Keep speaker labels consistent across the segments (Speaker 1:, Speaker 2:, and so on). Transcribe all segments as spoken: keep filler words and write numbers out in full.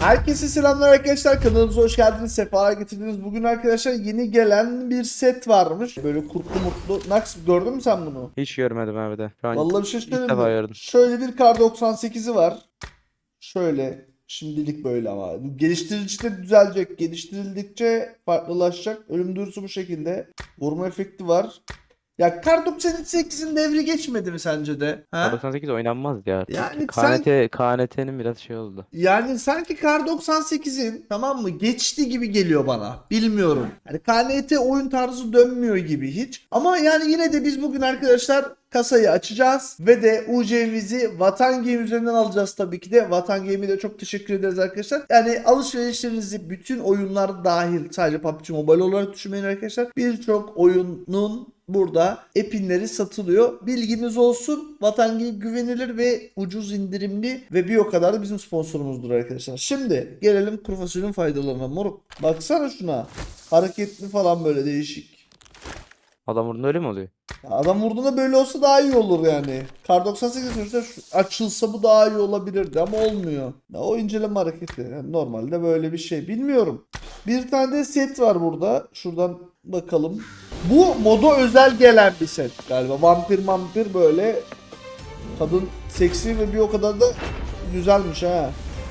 Speaker 1: Herkese selamlar arkadaşlar, kanalımıza hoş geldiniz, sefalar getirdiniz. Bugün arkadaşlar yeni gelen bir set varmış. Böyle kurtlu mutlu. Nax, gördün mü sen bunu?
Speaker 2: Hiç görmedim abi de. Şu an
Speaker 1: Vallahi bir şey
Speaker 2: ilk
Speaker 1: söyleyeyim
Speaker 2: defa
Speaker 1: mi?
Speaker 2: gördüm.
Speaker 1: Şöyle bir kar doksan sekizi var. Şöyle şimdilik böyle ama geliştirdikçe düzelecek. Geliştirildikçe farklılaşacak. Ölüm duyurusu bu şekilde. Vurma efekti var. Ya kar doksan sekizin devri geçmedi mi sence de? Ha?
Speaker 2: doksan sekiz oynanmaz ya.
Speaker 1: Yani sen
Speaker 2: K N T, K N T'nin biraz şey oldu.
Speaker 1: Yani sanki kar doksan sekizin, tamam mı, geçti gibi geliyor bana. Bilmiyorum. Yani K N T oyun tarzı dönmüyor gibi hiç. Ama yani yine de biz bugün arkadaşlar kasayı açacağız ve de U C'mizi Vatan Game üzerinden alacağız tabii ki de. Vatan Game'e de çok teşekkür ederiz arkadaşlar. Yani alışverişlerinizi bütün oyunlar dahil, sadece P U B G Mobile olarak düşünmeyin arkadaşlar. Birçok oyunun burada epinleri satılıyor. Bilginiz olsun. Vatan Game güvenilir ve ucuz indirimli ve bir o kadar da bizim sponsorumuzdur arkadaşlar. Şimdi gelelim kuru fasulyenin faydalarına. Moruk, baksana şuna. Hareketli falan, böyle değişik.
Speaker 2: Adam vurduğunda öyle mi oluyor?
Speaker 1: Ya adam vurduğunda böyle olsa daha iyi olur yani. Kar doksan sekiz sonuçta şu- açılsa bu daha iyi olabilirdi ama olmuyor. Ya o inceleme hareketi. Yani normalde böyle bir şey. Bilmiyorum. Bir tane de set var burada. Şuradan bakalım. Bu moda özel gelen bir set galiba. Vampir vampir böyle. Kadın seksi ve bir o kadar da güzelmiş ha.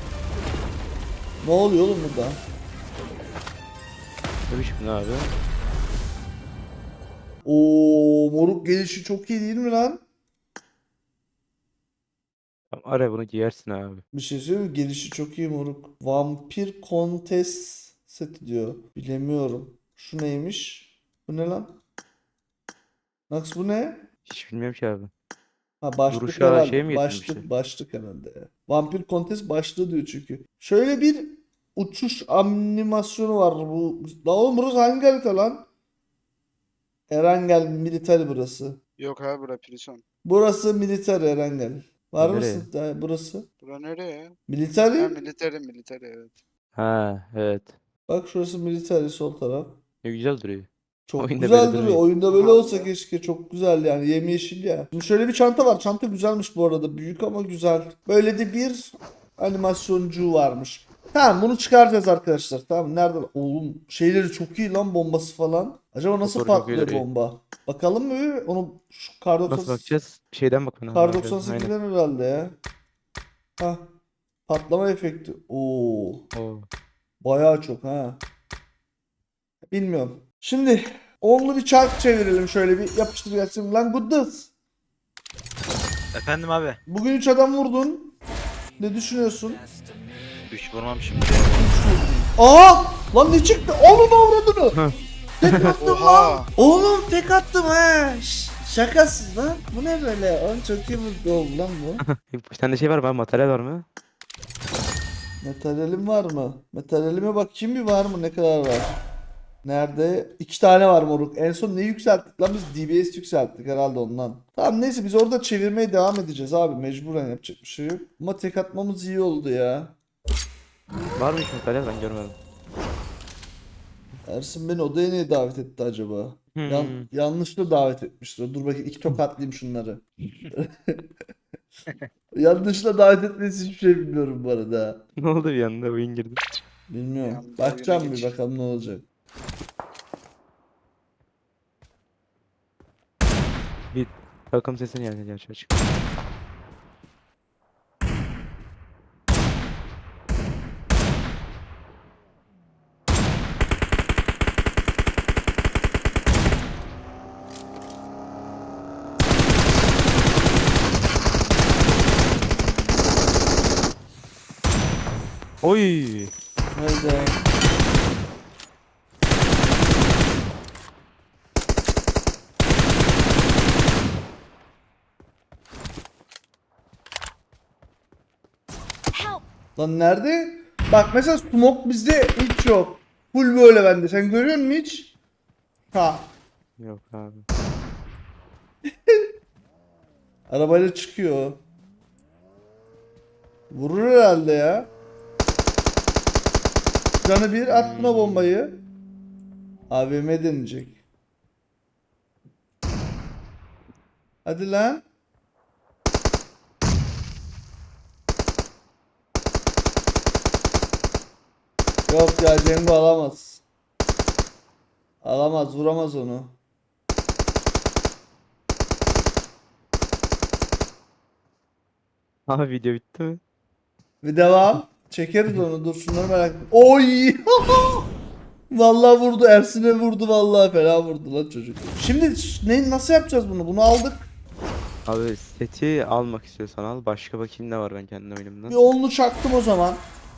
Speaker 1: Ne oluyor oğlum burada?
Speaker 2: Ne biçim ne abi?
Speaker 1: Oo, moruk gelişi çok iyi değil mi lan?
Speaker 2: Tamam, ara bunu giyersin abi.
Speaker 1: Bir şey söyleyeyim mi? Gelişi çok iyi moruk. Vampir Contest seti diyor. Bilemiyorum. Şu neymiş? Bu ne lan? Nax, bu ne?
Speaker 2: Hiç bilmiyorum ki abi.
Speaker 1: Ha, başlık
Speaker 2: Duruşa şey
Speaker 1: herhalde.
Speaker 2: mi getirmişler?
Speaker 1: Başlık, başlık herhalde ya. Vampir Contest başlığı diyor çünkü. Şöyle bir uçuş animasyonu var bu. La oğlum, burası hangi harita lan? Erangel Military burası.
Speaker 3: Yok abi bura prison.
Speaker 1: Burası Military Erangel. Var
Speaker 2: Nereye?
Speaker 1: mısın? Ha, burası.
Speaker 3: Bura nereye?
Speaker 1: Military.
Speaker 3: Ha military military evet.
Speaker 2: Ha evet.
Speaker 1: Bak şurası Military, sol taraf.
Speaker 2: Ne güzel duruyor.
Speaker 1: Çok
Speaker 2: Oyunda
Speaker 1: güzel
Speaker 2: böyle
Speaker 1: duruyor.
Speaker 2: durmuyor.
Speaker 1: Oyunda böyle
Speaker 3: Allah.
Speaker 1: olsa keşke. Çok güzel yani. Yemyeşil ya. Şimdi şöyle bir çanta var. Çanta güzelmiş bu arada. Büyük ama güzel. Böyle de bir animasyoncu varmış. Tamam, bunu çıkaracağız arkadaşlar. Tamam, nerede? Oğlum şeyleri çok iyi lan, bombası falan. Acaba nasıl
Speaker 2: Motoru çok iyi
Speaker 1: patlıyor
Speaker 2: duruyor.
Speaker 1: bomba? Bakalım mı? Onu şu kar
Speaker 2: Nasıl
Speaker 1: doksan
Speaker 2: bakacağız? Bir şeyden bakman lazım.
Speaker 1: kar
Speaker 2: abi.
Speaker 1: doksan
Speaker 2: Aynen.
Speaker 1: sekizden herhalde ya. Hah. Patlama efekti. Oo.
Speaker 2: Oo.
Speaker 1: Bayağı çok ha. Bilmiyorum. Şimdi onlu bir çark çevirelim, şöyle bir yapıştır gelsin. Lan Goodness.
Speaker 4: Efendim abi.
Speaker 1: Bugün üç adam vurdun. Ne düşünüyorsun?
Speaker 4: üç vurmam şimdi.
Speaker 1: Aa! Lan ne çıktı? Onun avradını. Tek attım lan.
Speaker 3: Oha!
Speaker 1: Oğlum tek attım ha. Ş- şakasız lan. Bu ne böyle? Oğlum çok iyi vurdu oldu lan bu.
Speaker 2: Bir tane şey var mı abi? Materyal var mı?
Speaker 1: Materyalim var mı? Materyalime bakayım bir, var mı? Ne kadar var? Nerede? İki tane var moruk. En son ne yükselttik lan biz? D B S yükselttik herhalde ondan. Tamam neyse, biz orada çevirmeye devam edeceğiz abi. Mecburen, yapacak bir şey yok. Ama tek atmamız iyi oldu ya.
Speaker 2: Var mı hiç materyal, ben görmedim.
Speaker 1: Ersin beni odaya niye davet etti acaba?
Speaker 2: Hmm.
Speaker 1: Yan, yanlışlıkla davet etmiştir. Dur bakayım, iki tokatlayayım şunları. Yanlışla davet etmesi hiçbir şey bilmiyorum bu arada.
Speaker 2: Ne oldu bir anda oyun girdi.
Speaker 1: Bilmiyorum.
Speaker 3: Yalnız
Speaker 1: Bakacağım
Speaker 3: oyuna
Speaker 1: bir,
Speaker 3: geç.
Speaker 1: bakalım ne olacak.
Speaker 2: Bir takım sesini yani gerçi açık. Oy!
Speaker 1: Haydi. Lan nerede? Bak mesela smoke bizde hiç yok. Full böyle bende. Sen görüyor musun hiç? Ha.
Speaker 2: Yok abi.
Speaker 1: Arabayla çıkıyor. Vurur herhalde ya. Canı bir, at buna bombayı. A V M deneyecek. Hadi lan. Yok ya, Cengo alamaz. Alamaz, vuramaz onu.
Speaker 2: Abi video bitti mi?
Speaker 1: Bir devam. Çekeriz onu, dur şunları merak ettim. Oy! Vallahi vurdu, Ersin'e vurdu, vallahi fena vurdu lan çocuk. Şimdi ş- ne, nasıl yapacağız bunu? Bunu aldık.
Speaker 2: Abi seti almak istiyorsan al. Başka bakayım ne var ben kendi oyunumdan.
Speaker 1: Bir onlu çaktım o zaman.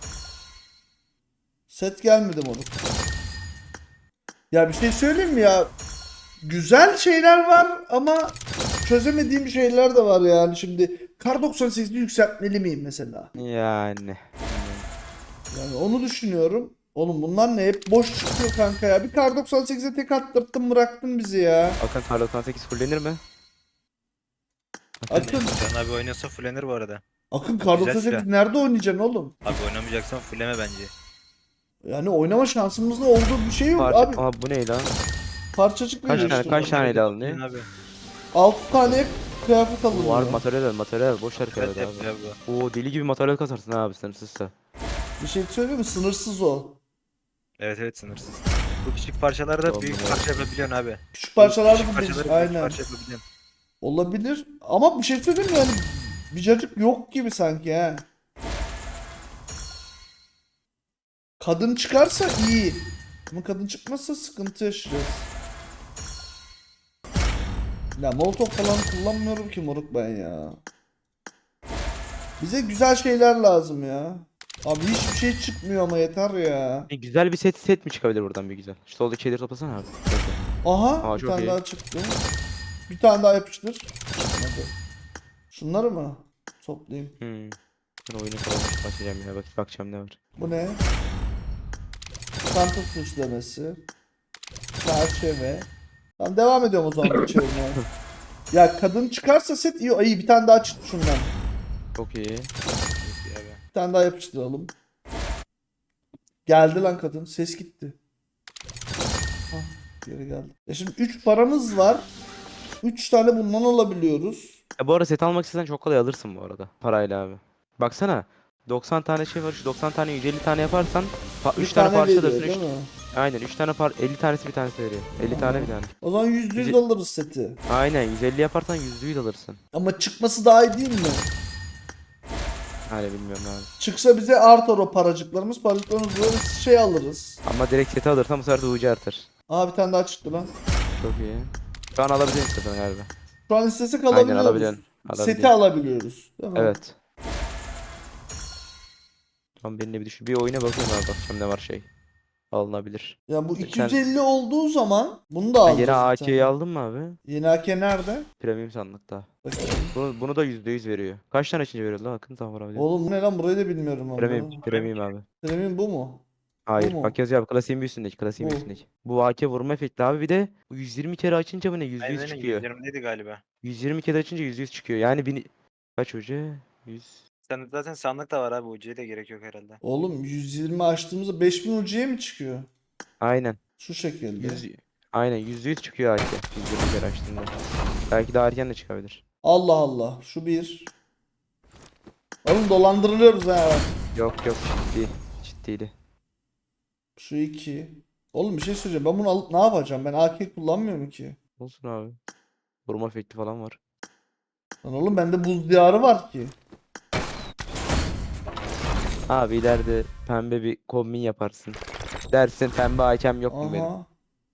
Speaker 1: Set gelmedi moruk. Ya bir şey söyleyeyim mi ya? Güzel şeyler var ama çözemediğim şeyler de var yani. Şimdi Kar doksan sekizi yükseltmeli miyim mesela?
Speaker 2: Yani.
Speaker 1: Yani onu düşünüyorum. Oğlum bunlar ne? Hep boş çıkıyor kanka ya. Bir Kar doksan sekize tek attırttın, bıraktın bizi ya.
Speaker 2: Akın Kar doksan sekiz fullenir mi?
Speaker 1: Akın,
Speaker 4: Can abi oynasa fullenir bu arada.
Speaker 1: Akın Kar
Speaker 4: Güzel
Speaker 1: doksan sekiz
Speaker 4: silah.
Speaker 1: nerede oynayacaksın oğlum?
Speaker 4: Abi oynamayacaksan fulleme bence.
Speaker 1: Yani oynama şansımızda olduğu bir şey yok
Speaker 2: Parça...
Speaker 1: abi.
Speaker 2: Aa bu ne lan?
Speaker 1: Parçacık
Speaker 2: Kaç
Speaker 1: veriyor
Speaker 2: tane-
Speaker 1: işte.
Speaker 2: kaç tane ele alınıyor?
Speaker 4: Abi.
Speaker 1: altı tane kıyafet alınıyor.
Speaker 2: Var materyal materyal boş ver
Speaker 4: Evet
Speaker 2: kıyafet
Speaker 4: yapıyor
Speaker 2: abi.
Speaker 4: bu.
Speaker 2: Oo deli gibi materyal kasarsın abi sınırsızsa.
Speaker 1: Bir şey söyleyeyim mi? Sınırsız o.
Speaker 4: Evet evet sınırsız. Bu küçük parçalarda
Speaker 2: Oldu
Speaker 4: büyük
Speaker 2: mu?
Speaker 4: parça yapabiliyorsun abi.
Speaker 1: Küçük parçalar
Speaker 4: Küçük
Speaker 1: bu
Speaker 4: parçaları
Speaker 1: değil.
Speaker 4: büyük
Speaker 1: Aynen.
Speaker 4: parça yapabiliyorsun.
Speaker 1: Olabilir. Ama bir şey söyleyeyim mi? Yani bir cacık yok gibi sanki ha. Kadın çıkarsa iyi. Ama kadın çıkmazsa sıkıntı yaşayacağız. Ya molotof falan kullanmıyorum ki moruk ben ya. Bize güzel şeyler lazım ya. Abi hiçbir şey çıkmıyor ama yeter ya.
Speaker 2: E, güzel bir set set mi çıkabilir buradan bir güzel? Şu soldaki şeyleri toplasana abi.
Speaker 1: Aha
Speaker 2: Aa,
Speaker 1: bir
Speaker 2: çok
Speaker 1: tane
Speaker 2: iyi.
Speaker 1: daha çıktı. Bir tane daha yapıştır. Çıkmadı. Şunları mı? Toplayayım.
Speaker 2: Hmm. Ben oyunu falan başlayacağım ya. Bak bakacağım ne var.
Speaker 1: Bu ne? Çanta süslemesi. Çerçeve. Tamam devam ediyorum o zaman bu çevirmeye. Ya kadın çıkarsa set iyi. İyi bir tane daha çıktı şundan.
Speaker 2: Çok iyi.
Speaker 4: Çok iyi abi.
Speaker 1: Bir tane daha yapıştıralım. Geldi lan kadın. Ses gitti. Hah, geri geldi. Ya şimdi üç paramız var. üç tane bundan alabiliyoruz.
Speaker 2: Ya bu arada set almak istesen çok kolay alırsın bu arada. Parayla abi. Baksana. doksan tane şey var. Şu doksan tane yüz elli tane yaparsan
Speaker 1: Bir
Speaker 2: üç tane, parça
Speaker 1: veriyor
Speaker 2: alırsın.
Speaker 1: değil
Speaker 2: Üç...
Speaker 1: mi?
Speaker 2: Aynen üç tane par elli tanesi bir tanesi veriyor. elli tane bir tane.
Speaker 1: O zaman yüzde yüz
Speaker 2: Yüz-
Speaker 1: alırız seti.
Speaker 2: Aynen yüz elli yaparsan yüzde yüz alırsın.
Speaker 1: Ama çıkması daha iyi değil mi?
Speaker 2: Hani bilmiyorum abi.
Speaker 1: Çıksa bize artar o paracıklarımız. Paracıklarımız böyle şey alırız.
Speaker 2: Ama direkt seti alırsan bu sefer de U C artar.
Speaker 1: Aa bir tane daha çıktı lan.
Speaker 2: Çok iyi. Şu an alabiliyorsun istersen galiba.
Speaker 1: Şu an istesek
Speaker 2: Aynen
Speaker 1: alabiliyoruz.
Speaker 2: alabiliyorsun.
Speaker 1: Seti
Speaker 2: Alabiliyorsun.
Speaker 1: alabiliyoruz. Değil mi?
Speaker 2: Evet. Tamam benimle bir düşün. Bir oyuna bakayım abi bakacağım ne var şey. Alınabilir.
Speaker 1: Ya bu
Speaker 2: Sen-
Speaker 1: iki yüz elli olduğu zaman bunu da
Speaker 2: Ha,
Speaker 1: alacağız.
Speaker 2: yeni
Speaker 1: bir
Speaker 2: A K'yi
Speaker 1: tane.
Speaker 2: aldın mı abi?
Speaker 1: Yeni A K nerede?
Speaker 2: Premium sandıkta.
Speaker 1: Bakayım.
Speaker 2: Bunu, bunu da yüzde yüz veriyor. Kaç tane içince veriyor lan Akın tam var abi.
Speaker 1: Oğlum bu ne lan, burayı da bilmiyorum ama.
Speaker 2: Premium, premium abi.
Speaker 1: Premium bu mu?
Speaker 2: Hayır
Speaker 1: mu?
Speaker 2: bak yazıyor abi klasiğin bir üstündeki klasiğin bir
Speaker 1: Bu.
Speaker 2: üstündeki. Bu A K vurma efekti abi bir de yüz yirmi kere açınca bu ne yüzde yüz
Speaker 4: Aynen
Speaker 2: çıkıyor.
Speaker 4: yüz yirmideydi galiba.
Speaker 2: yüz yirmi kere açınca yüzde yüz çıkıyor. Yani bin... Kaç hoca? yüz.
Speaker 4: Sen zaten sandık da var abi. Ucuya da gerek yok herhalde.
Speaker 1: Oğlum yüz yirmi açtığımızda beş bin ucuya mı çıkıyor?
Speaker 2: Aynen.
Speaker 1: Şu şekilde.
Speaker 2: yüz... Aynen yüzde yüz çıkıyor A K. yüz yirmi kere açtığında. Belki daha erken de çıkabilir.
Speaker 1: Allah Allah. Şu bir. Oğlum dolandırılıyoruz ha.
Speaker 2: Yok yok ciddi. Ciddiydi.
Speaker 1: Şu iki. Oğlum bir şey söyleyeceğim. Ben bunu alıp ne yapacağım? Ben A K kullanmıyorum ki.
Speaker 2: Olsun abi. Vurma efekti falan var.
Speaker 1: Lan oğlum bende buz diyarı var ki.
Speaker 2: Abi ileride pembe bir kombin yaparsın. Dersin pembe hakem yok mu benim?
Speaker 1: Aha.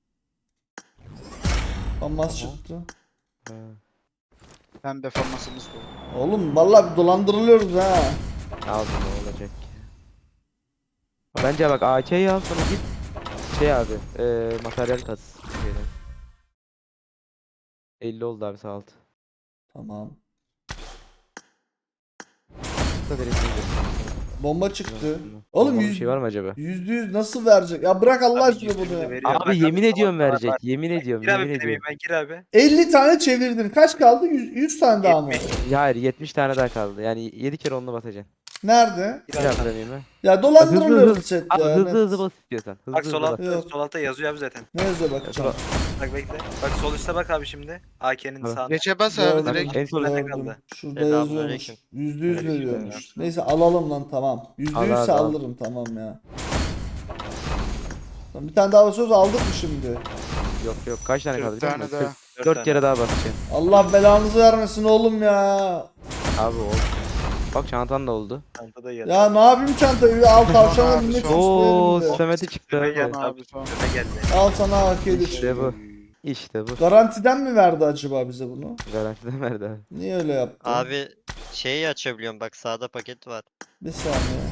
Speaker 1: Famas çıktı.
Speaker 2: Ha.
Speaker 3: Pembe formasımız da.
Speaker 1: Oğlum vallahi dolandırılıyoruz ha.
Speaker 2: Al ne olacak ki? Bence bak A K'yi al sonra git şey abi eee materyal kas şeyden. elli oldu abi sağ alt.
Speaker 1: Tamam.
Speaker 2: Da direkt iyidir.
Speaker 1: Bomba çıktı.
Speaker 2: Oğlum
Speaker 1: Oğlum
Speaker 2: bir
Speaker 1: yüz,
Speaker 2: şey var mı acaba?
Speaker 1: yüzde yüz nasıl verecek? Ya bırak Allah
Speaker 4: Abi
Speaker 1: aşkına
Speaker 4: yüz
Speaker 1: bunu
Speaker 4: yirmi de
Speaker 1: ya.
Speaker 4: veriyor. Bak
Speaker 2: Abi yemin
Speaker 4: tamam,
Speaker 2: ediyorum
Speaker 4: var, var,
Speaker 2: verecek.
Speaker 4: var.
Speaker 2: Yemin ediyorum,
Speaker 4: Gir abi
Speaker 2: yemin ediyorum.
Speaker 4: premium'a gir abi.
Speaker 1: elli tane çevirdin. Kaç kaldı? yüz, yüz tane daha mı?
Speaker 4: yetmiş.
Speaker 2: Ya hayır yetmiş tane daha kaldı. Yani yedi kere onunla basacaksın.
Speaker 1: Nerede?
Speaker 4: Gir
Speaker 2: Bir
Speaker 4: abi.
Speaker 2: daha premium'a.
Speaker 1: Ya
Speaker 2: Hızlı
Speaker 1: dolandırılıyoruz
Speaker 2: hızlı.
Speaker 1: chat
Speaker 2: Abi
Speaker 1: ya.
Speaker 2: hızlı
Speaker 1: net.
Speaker 2: hızlı bas istiyorsan. Hızlı
Speaker 4: Bak
Speaker 2: hızlı
Speaker 4: sol
Speaker 2: bas.
Speaker 4: altta,
Speaker 1: Yok.
Speaker 4: sol altta yazıyor abi zaten.
Speaker 1: Ne yazıyor bakacağım.
Speaker 4: Bak bekle. Bak sol üstte bak abi şimdi. A K'nin
Speaker 2: Tamam.
Speaker 4: sağında.
Speaker 3: Geçe bas abi
Speaker 1: Gördüm.
Speaker 3: direkt.
Speaker 2: En son
Speaker 4: Bende
Speaker 1: Gördüm.
Speaker 4: kaldı.
Speaker 1: Şurada
Speaker 4: Selamünaleyküm.
Speaker 1: yazıyormuş. Yüzde yüz
Speaker 4: Aleyküm
Speaker 1: veriyormuş.
Speaker 4: selam.
Speaker 1: Neyse alalım lan tamam. Yüzde
Speaker 2: Al
Speaker 1: yüzse
Speaker 2: abi, al.
Speaker 1: alırım tamam ya. Lan bir tane daha basıyoruz aldık mı şimdi?
Speaker 2: Yok yok kaç tane kaldı
Speaker 3: Dört
Speaker 2: biliyor
Speaker 3: tane
Speaker 2: musun?
Speaker 3: daha.
Speaker 4: Dört
Speaker 2: dört
Speaker 4: tane.
Speaker 2: kere daha basacağım.
Speaker 1: Allah belanızı vermesin oğlum ya.
Speaker 2: Abi oldu. Bak çantan da oldu.
Speaker 4: Çanta da geldi.
Speaker 1: Ya ne yapayım çantayı? Al tavşana
Speaker 3: Abi,
Speaker 1: binmek
Speaker 3: son.
Speaker 2: Oo
Speaker 1: isteyelim de.
Speaker 2: Samet'e çıktı.
Speaker 4: Üstüme
Speaker 2: abi.
Speaker 4: geldi
Speaker 3: Son
Speaker 4: abi.
Speaker 3: abi, son.
Speaker 4: Üstüme geldi.
Speaker 1: Al sana A K üç.
Speaker 2: İşte bu. İşte bu.
Speaker 1: Garantiden mi verdi acaba bize bunu?
Speaker 2: Garantiden verdi abi.
Speaker 1: Niye öyle yaptı?
Speaker 5: Abi şeyi açabiliyorum bak sağda paket var.
Speaker 1: Bir saniye.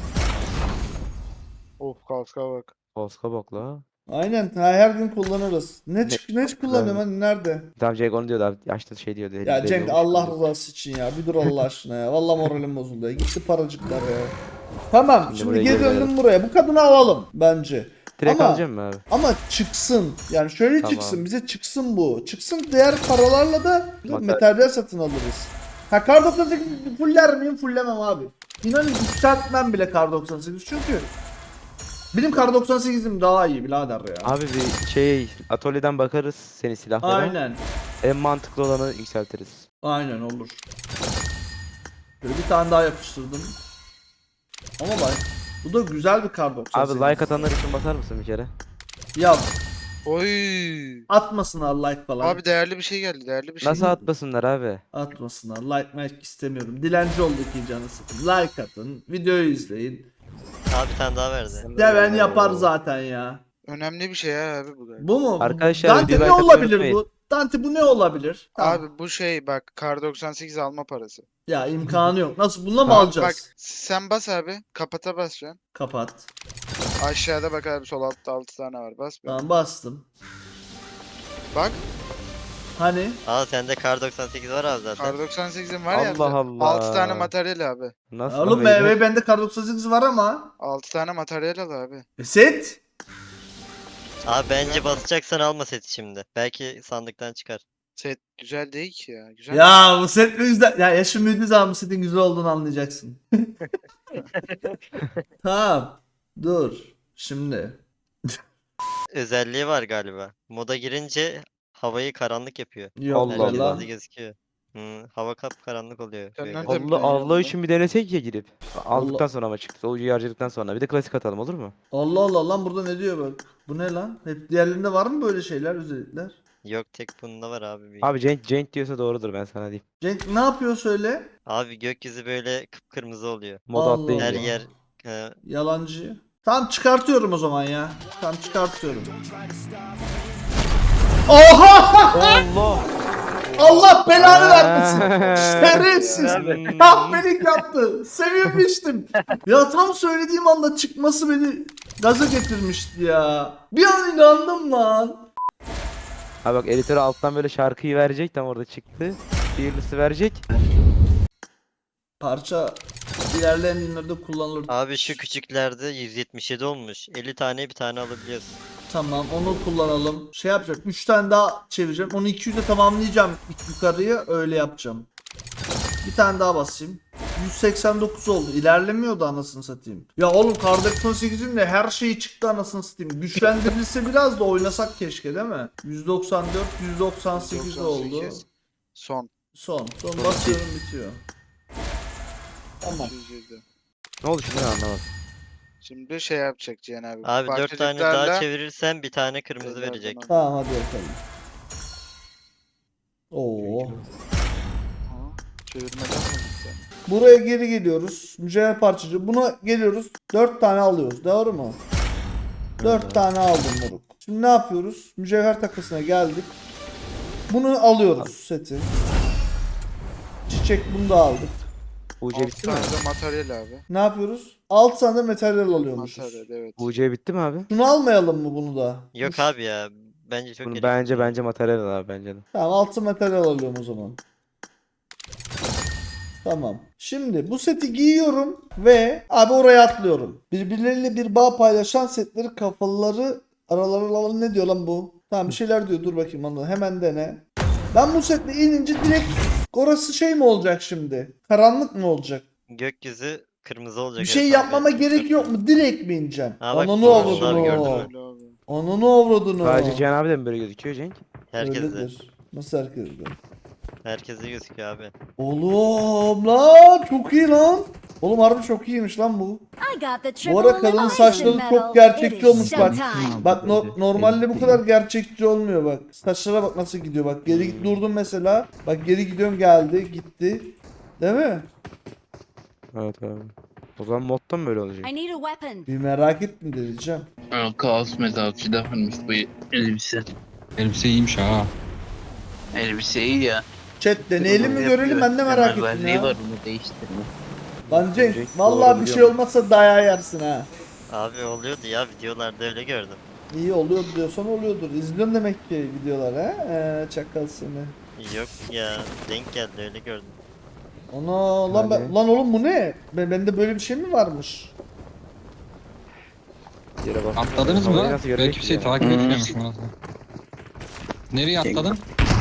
Speaker 3: Of kalka bak.
Speaker 2: Polska bok la.
Speaker 1: Aynen ha, her gün kullanırız. Ne
Speaker 2: Ne-
Speaker 1: çık ne
Speaker 2: çok
Speaker 1: kullanıyorum
Speaker 2: güzel.
Speaker 1: hani nerede?
Speaker 2: Tamam Cenk onu diyordu abi. Açtı şey diyordu.
Speaker 1: Ya
Speaker 2: elli
Speaker 1: Cenk
Speaker 2: olmuş
Speaker 1: Allah
Speaker 2: diyordu.
Speaker 1: rızası için ya. Bir dur Allah aşkına ya. Vallahi moralim bozuldu ya. Gitti paracıklar ya. Tamam
Speaker 2: Şimdi
Speaker 1: şimdi
Speaker 2: buraya
Speaker 1: geri
Speaker 2: geri
Speaker 1: döndüm
Speaker 2: verelim.
Speaker 1: buraya. Bu kadını alalım bence.
Speaker 2: Direkt
Speaker 1: Ama-
Speaker 2: alacağım mı abi?
Speaker 1: Ama çıksın. Yani şöyle
Speaker 2: Tamam.
Speaker 1: çıksın. Bize çıksın bu. Çıksın diğer paralarla da
Speaker 2: Materyal.
Speaker 1: materyal satın alırız. Ha kar doksan sekiz fuller miyim? Fullemem abi. İnanın yükseltmem bile kar doksan sekiz çünkü benim kar doksan sekizim daha iyi birader ya.
Speaker 2: Abi bir şey atölyeden bakarız senin silahlara.
Speaker 1: Aynen.
Speaker 2: En mantıklı olanı yükseltiriz.
Speaker 1: Aynen olur. Böyle bir tane daha yapıştırdım. Ama bak bu da güzel bir kar doksan
Speaker 2: Abi
Speaker 1: sekiz.
Speaker 2: like atanlar için basar mısın bir kere?
Speaker 1: Ya
Speaker 3: Oy.
Speaker 1: atmasınlar like falan.
Speaker 3: Abi değerli bir şey geldi. Değerli bir şey.
Speaker 2: Nasıl atmasınlar abi?
Speaker 1: Atmasınlar. Like like istemiyorum. Dilenci olduk canı sıkın. Like atın. Videoyu izleyin.
Speaker 5: Abi bir tane daha verdi.
Speaker 1: Seven yapar zaten ya.
Speaker 3: Önemli bir şey ya abi bu. galiba.
Speaker 1: Bu mu?
Speaker 2: Arkadaşlar,
Speaker 1: Dante
Speaker 2: bir
Speaker 1: ne
Speaker 2: like atmayı
Speaker 1: olabilir
Speaker 2: unutmayın.
Speaker 1: bu? Dante bu ne olabilir? Tamam.
Speaker 3: Abi bu şey bak kar doksan sekiz alma parası.
Speaker 1: Ya imkanı yok. Nasıl bununla mı
Speaker 3: Abi
Speaker 1: alacağız?
Speaker 3: Bak sen bas abi. Kapata basacaksın.
Speaker 1: Kapat.
Speaker 3: Aşağıda bak abi sol altta altı tane var. Bas bir.
Speaker 1: Tamam bastım.
Speaker 3: Bak
Speaker 1: Hani?
Speaker 5: Aa sende kar doksan sekiz var abi zaten.
Speaker 3: kar doksan sekizin var ya.
Speaker 2: Allah Allah.
Speaker 3: altı tane materyal abi.
Speaker 2: Nasıl
Speaker 1: Oğlum
Speaker 2: abi?
Speaker 1: be, bende kar doksan sekiz var ama.
Speaker 3: altı tane materyal al abi.
Speaker 1: E, set.
Speaker 5: Abi bence basacaksan alma seti şimdi. Belki sandıktan çıkar.
Speaker 3: Set güzel değil ki ya. Güzel.
Speaker 1: Ya bu set mi güzel? Ya yaşım büyüdüğü zaman bu setin güzel olduğunu anlayacaksın. Tamam. Dur. Şimdi.
Speaker 5: Özelliği var galiba. Moda girince havayı karanlık yapıyor.
Speaker 1: Yok
Speaker 2: Allah
Speaker 1: be
Speaker 5: Herkes
Speaker 2: Allah.
Speaker 1: lan.
Speaker 5: hızlı gözüküyor. Hı, hava kap karanlık oluyor.
Speaker 3: Sen
Speaker 5: Böyle.
Speaker 3: nereden
Speaker 2: Allah
Speaker 3: biliyorsun
Speaker 2: Allah
Speaker 3: bunu?
Speaker 2: için bir denesek ya girip. Aldıktan sonra ama çıktı. O harcadıktan sonra. Bir de klasik atalım olur mu?
Speaker 1: Allah Allah lan burada ne diyor bak. Bu ne lan? Hep diğerlerinde var mı böyle şeyler özellikler?
Speaker 5: Yok tek bunda var abi. Bir.
Speaker 2: Abi Cenk, Cenk diyorsa doğrudur ben sana diyeyim.
Speaker 1: Cenk ne yapıyor söyle?
Speaker 5: Abi gökyüzü böyle kıpkırmızı oluyor.
Speaker 2: Moda
Speaker 1: Allah
Speaker 2: atlayınca.
Speaker 5: Her
Speaker 1: Allah.
Speaker 5: yer e,
Speaker 1: Yalancı. Tamam çıkartıyorum o zaman ya. Tamam çıkartıyorum. Oha!
Speaker 2: Allah!
Speaker 1: Allah belanı vermesin. Şerefsiz.
Speaker 2: Hmm.
Speaker 1: Kahpelik yaptı. Sevinmiştim. Ya tam söylediğim anda çıkması beni gaza getirmişti ya. Bir an inandım lan.
Speaker 2: Abi bak editör alttan böyle şarkıyı verecek tam orada çıktı. Birlisi verecek.
Speaker 1: Parça ilerleyen günlerde kullanılır.
Speaker 5: abi şu küçüklerde yüz yetmiş yedi olmuş. elli tane bir tane alabiliyorsun.
Speaker 1: Tamam onu kullanalım. Şey yapacak. üç tane daha çevireceğim. Onu iki yüze tamamlayacağım yukarıya öyle yapacağım. Bir tane daha basayım. yüz seksen dokuz oldu. İlerlemiyordu anasını satayım. Ya oğlum kar doksan sekizin de her şeyi çıktı anasını satayım. Güçlendirilse biraz da oynasak keşke değil mi? yüz doksan dört, yüz doksan sekiz oldu.
Speaker 3: doksan sekiz. Son.
Speaker 1: Son. Son basıyorum bitiyor. Tamam.
Speaker 3: iki yüz yedi.
Speaker 2: Ne oldu şimdi anlamadım.
Speaker 3: Şimdi şey yapacak Cihan abi.
Speaker 5: Abi dört tane daha
Speaker 3: Parçacıklarla-
Speaker 5: çevirirsen bir tane kırmızı
Speaker 3: Şeylerden
Speaker 5: verecek.
Speaker 3: al.
Speaker 1: Tamam hadi bakalım. Oo.
Speaker 3: Ha, Çevirmeden mi gitti?
Speaker 1: Buraya geri geliyoruz. Mücevher parçacı. Buna geliyoruz. dört tane alıyoruz. Doğru mu? dört tane aldım moruk. Şimdi ne yapıyoruz? Mücevher takısına geldik. Bunu alıyoruz seti. Çiçek bunu da aldık.
Speaker 2: U C
Speaker 3: altı
Speaker 2: bitti mi?
Speaker 3: tane de materyal abi.
Speaker 1: Ne yapıyoruz? altı tane de materyal alıyormuşuz.
Speaker 3: Materyal evet.
Speaker 2: U C bitti mi abi?
Speaker 1: Şunu almayalım mı bunu da?
Speaker 5: Yok
Speaker 1: Bu-
Speaker 5: abi ya. Bence çok
Speaker 2: Bunu
Speaker 5: gereksiz.
Speaker 2: bence bence materyal al abi bence de.
Speaker 1: Tamam altı materyal alıyorum o zaman. Tamam. Şimdi bu seti giyiyorum ve abi oraya atlıyorum. Birbirleriyle bir bağ paylaşan setleri kafaları aralarında ne diyor lan bu? Tamam bir şeyler diyor dur bakayım onu hemen dene. Ben bu setle inince direkt orası şey mi olacak şimdi? Karanlık mı olacak?
Speaker 5: Gökyüzü kırmızı olacak.
Speaker 1: Bir şey
Speaker 5: evet abi.
Speaker 1: yapmama gerek yok mu? Direkt mi ineceğim?
Speaker 5: Ha bak,
Speaker 1: Ananı
Speaker 5: bunlar
Speaker 1: avradını.
Speaker 5: gördün mü?
Speaker 3: Öyle abi.
Speaker 1: Ananı avradını.
Speaker 2: Sadece Cihan abi de mi böyle gözüküyor Cenk?
Speaker 5: Herkes de.
Speaker 1: Öyledir. Nasıl herkes de?
Speaker 5: Herkese gözüküyor abi.
Speaker 1: Oğlum lan çok iyi lan. Oğlum harbi çok iyiymiş lan bu.
Speaker 6: I got the
Speaker 1: Bu ara
Speaker 6: triple
Speaker 1: kadının
Speaker 6: elimination
Speaker 1: saçları
Speaker 6: medal.
Speaker 1: çok gerçekçi
Speaker 6: It is
Speaker 1: olmuş bak.
Speaker 6: showtime.
Speaker 1: Bak no- normalde bu kadar gerçekçi olmuyor bak. Saçlara bak nasıl gidiyor bak. Geri git durdum mesela. Bak geri gidiyorum geldi gitti. Değil mi?
Speaker 2: Evet abi. O zaman modda mı böyle olacak?
Speaker 6: I need a weapon.
Speaker 1: Bir merak etme diyeceğim.
Speaker 7: Aa, Kaos mezarcıda varmış bu elbise.
Speaker 8: Elbise iyiymiş ha.
Speaker 7: Elbise iyi ya.
Speaker 1: Chat deneyelim mi görelim ben de merak ettim
Speaker 7: Özelliği
Speaker 1: ya.
Speaker 7: var bunu değiştirme.
Speaker 1: Lan Cenk
Speaker 2: Cenk,
Speaker 1: vallahi
Speaker 2: doğru
Speaker 1: bir şey
Speaker 2: biliyorum.
Speaker 1: olmazsa dayağı yersin ha.
Speaker 5: Abi oluyordu ya videolarda öyle gördüm.
Speaker 1: İyi oluyor diyorsan oluyordur. İzliyorsun demek ki videolar ha. Ee, çakal seni.
Speaker 5: Yok ya denk geldi öyle gördüm.
Speaker 1: Ana lan ben,
Speaker 2: Hadi.
Speaker 1: lan oğlum bu ne? Ben, bende böyle bir şey mi varmış?
Speaker 2: Yere bak.
Speaker 8: Atladınız mı?
Speaker 2: Havayı nasıl
Speaker 8: Ben
Speaker 2: görecek
Speaker 8: kimseyi
Speaker 2: ya?
Speaker 8: takip etmiyormuş Murat. Nereye atladın?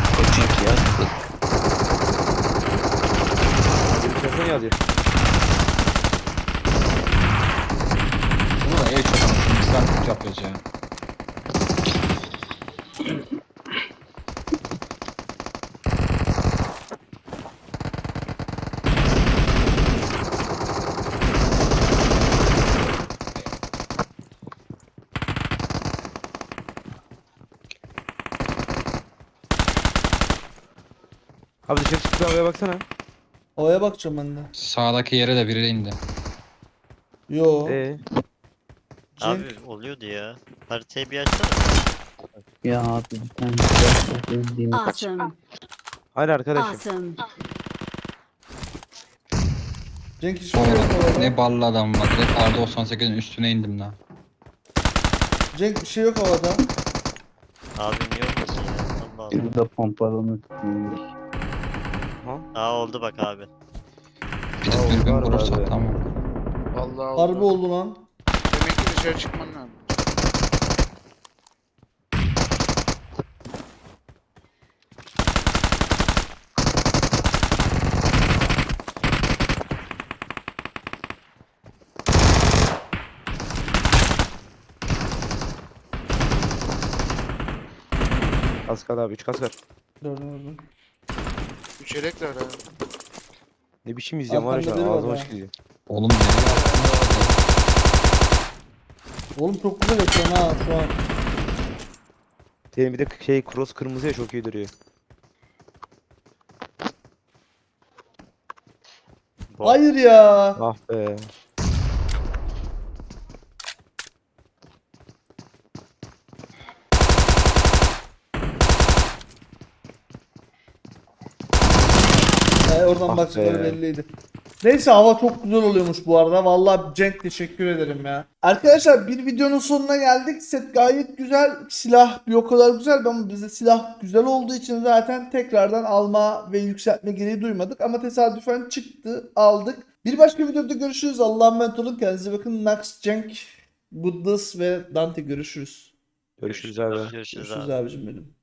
Speaker 2: Bir telefon yazıyor.
Speaker 8: Burada ev çok anasını. Biz artık yapıyoruz ya.
Speaker 2: Abi dışarı çıkıp bir havaya baksana.
Speaker 1: Havaya bakacağım ben de.
Speaker 8: Sağdaki yere de biri indi.
Speaker 1: Yo.
Speaker 2: Ee,
Speaker 5: Abi oluyordu ya. Haritayı bir açsana.
Speaker 7: Ya abi bir tane silah diyeyim.
Speaker 6: Awesome.
Speaker 2: hayır arkadaşım.
Speaker 6: Awesome.
Speaker 1: Cenk hiçbir şey yok
Speaker 8: Oğlum
Speaker 1: havada.
Speaker 8: ne ballı adam var. Direkt R doksan sekizin üstüne indim lan.
Speaker 1: Cenk bir şey yok havada.
Speaker 5: Abi niye olmasın ya? Allah Allah.
Speaker 7: Burada pompalını
Speaker 5: Aa oldu bak abi.
Speaker 8: Bir de
Speaker 2: Aa,
Speaker 8: dürbün
Speaker 2: var
Speaker 8: bulursak
Speaker 2: abi.
Speaker 8: tamam.
Speaker 3: Vallahi
Speaker 1: Harbi
Speaker 3: oldu.
Speaker 1: oldu lan.
Speaker 3: Demek ki dışarı çıkman lazım.
Speaker 2: Az kaldı abi üç kas var.
Speaker 1: Dur, dur, dur.
Speaker 3: Üç yelek var abi.
Speaker 2: Ne biçim izliyorum var ya şu an
Speaker 1: Arkamda biri var
Speaker 2: ağzıma
Speaker 1: ha.
Speaker 2: çıkıyor.
Speaker 8: Oğlum nereye attın?
Speaker 1: Oğlum çok güzel ekran ha şu an.
Speaker 2: Senin bir de şey cross kırmızı ya çok iyi duruyor.
Speaker 5: Bot.
Speaker 1: Hayır ya.
Speaker 2: Ah be.
Speaker 1: Ee, oradan
Speaker 2: Ah
Speaker 1: baktıkları
Speaker 2: be.
Speaker 1: belliydi. Neyse hava çok güzel oluyormuş bu arada. Vallahi Cenk teşekkür ederim ya. Arkadaşlar bir videonun sonuna geldik. Set gayet güzel. Silah bir o kadar güzel ama bizde silah güzel olduğu için zaten tekrardan alma ve yükseltme gereği duymadık. Ama tesadüfen çıktı aldık. Bir başka videoda görüşürüz. Allah'a emanet olun. Kendinize bakın. Nax, Cenk, Goodness ve Dante görüşürüz.
Speaker 2: Görüşürüz abi.
Speaker 5: Görüşürüz
Speaker 1: Görüşürüz
Speaker 5: abi.
Speaker 1: abicim benim.